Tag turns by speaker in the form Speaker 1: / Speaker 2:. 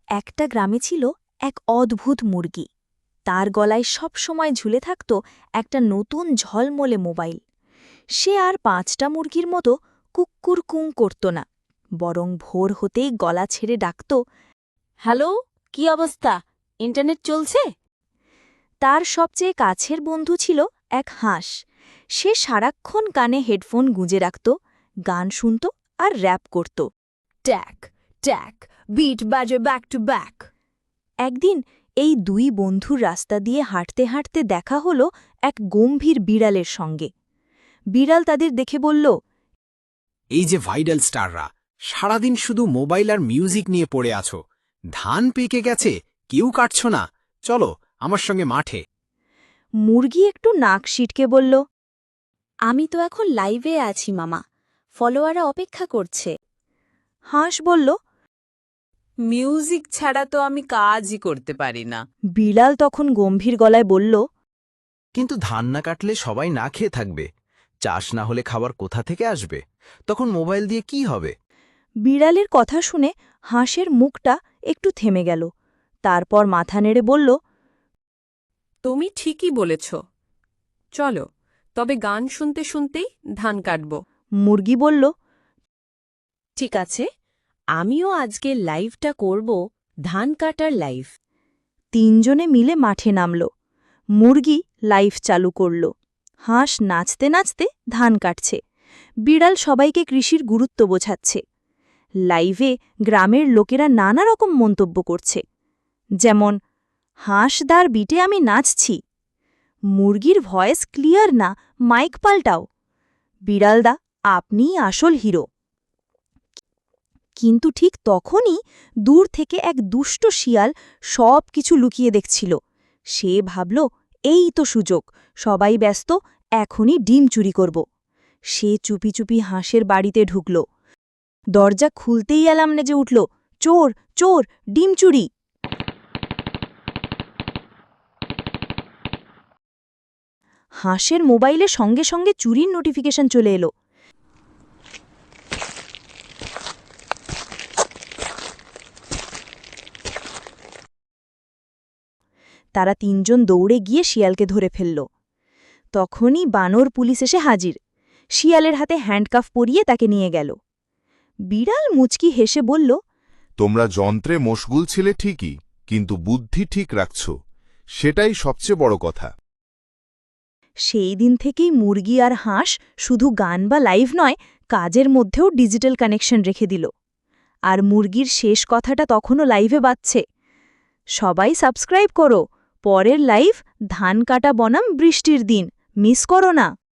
Speaker 1: একটা গ্রামে ছিল এক অদ্ভুত মুরগি। তার গলায় সব সময় ঝুলে থাকত একটা নতুন ঝলমলে মোবাইল। সে আর ৫টা মুরগির মতো কুক্কুর কুঁ করত না, বরং ভোর হতেই গলা ছেড়ে ডাকত,
Speaker 2: হ্যালো, কি অবস্থা? ইন্টারনেট চলছে?
Speaker 1: তার সবচেয়ে কাছের বন্ধু ছিল এক হাঁস। সে সারাক্ষণ কানে হেডফোন গুঁজে রাখত, গান শুনত আর র‍্যাপ করত।
Speaker 2: ট্যাক ট্যাক, বিট বাজে ব্যাক টু ব্যাক।
Speaker 1: একদিন এই দুই বন্ধুর রাস্তা দিয়ে হাঁটতে হাঁটতে দেখা হলো এক গম্ভীর বিড়ালের সঙ্গে। বিড়াল তাদের দেখে বলল,
Speaker 3: এই যে ভাইরাল স্টাররা, সারাদিন শুধু মোবাইল আর মিউজিক নিয়ে পড়ে আছো। ধান পেকে গেছে, কেউ কাটছ না, চলো আমার সঙ্গে মাঠে।
Speaker 1: মুরগি একটু নাক সিটকে বলল,
Speaker 4: আমি তো এখন লাইভে আছি মামা, ফলোয়াররা অপেক্ষা করছে।
Speaker 1: হাঁস বলল,
Speaker 2: মিউজিক ছাড়া তো আমি কাজই করতে পারি না।
Speaker 1: বিড়াল তখন গম্ভীর গলায় বলল,
Speaker 5: কিন্তু ধান না কাটলে সবাই না খেয়ে থাকবে, চাষ না হলে খাবার কোথা থেকে আসবে? তখন মোবাইল দিয়ে কি হবে?
Speaker 1: বিড়ালের কথা শুনে হাঁসের মুখটা একটু থেমে গেল। তারপর মাথা নেড়ে বলল,
Speaker 2: তুমি ঠিকই বলেছ, চলো তবে গান শুনতে শুনতেই ধান কাটব।
Speaker 1: মুরগি বলল,
Speaker 4: ঠিক আছে, আমিও আজকে লাইভটা করব, ধান কাটার লাইভ।
Speaker 1: তিনজনে মিলে মাঠে নামল। মুরগি লাইভ চালু করল, হাঁস নাচতে নাচতে ধান কাটছে, বিড়াল সবাইকে কৃষির গুরুত্ব বোঝাচ্ছে। লাইভে গ্রামের লোকেরা নানা রকম মন্তব্য করছে, যেমন, হাঁসদার বিটে আমি নাচছি, মুরগির ভয়েস ক্লিয়ার না, মাইক পাল্টাও, বিড়ালদা আপনিই আসল হিরো। কিন্তু ঠিক তখনই দূর থেকে এক দুষ্ট শিয়াল সব কিছু লুকিয়ে দেখছিল। সে ভাবল, এই তো সুযোগ, সবাই ব্যস্ত, এখনই ডিম চুরি করব। সে চুপি চুপি হাঁসের বাড়িতে ঢুকল। দরজা খুলতেই অ্যালার্ম নেজে উঠল, চোর চোর, ডিম চুরি। হাঁসের মোবাইলে সঙ্গে সঙ্গে চুরির নোটিফিকেশন চলে এলো। তারা তিনজন দৌড়ে গিয়ে শিয়ালকে ধরে ফেলল। তখনই বানর পুলিশ এসে হাজির, শিয়ালের হাতে হ্যান্ডকাফ পরিয়ে তাকে নিয়ে গেল। বিড়াল মুচকি হেসে বলল,
Speaker 6: তোমরা যন্ত্রে মশগুল ছিলে ঠিকই, কিন্তু বুদ্ধি ঠিক রাখছ, সেটাই সবচেয়ে বড় কথা।
Speaker 1: সেই দিন থেকেই মুরগি আর হাঁস শুধু গান বা লাইভ নয়, কাজের মধ্যেও ডিজিটাল কানেকশন রেখে দিল। আর মুরগির শেষ কথাটা তখনও লাইভে বাজছে, সবাই সাবস্ক্রাইব করো, পরের লাইভ ধান কাটা বনাম বৃষ্টির দিন, মিস করো না।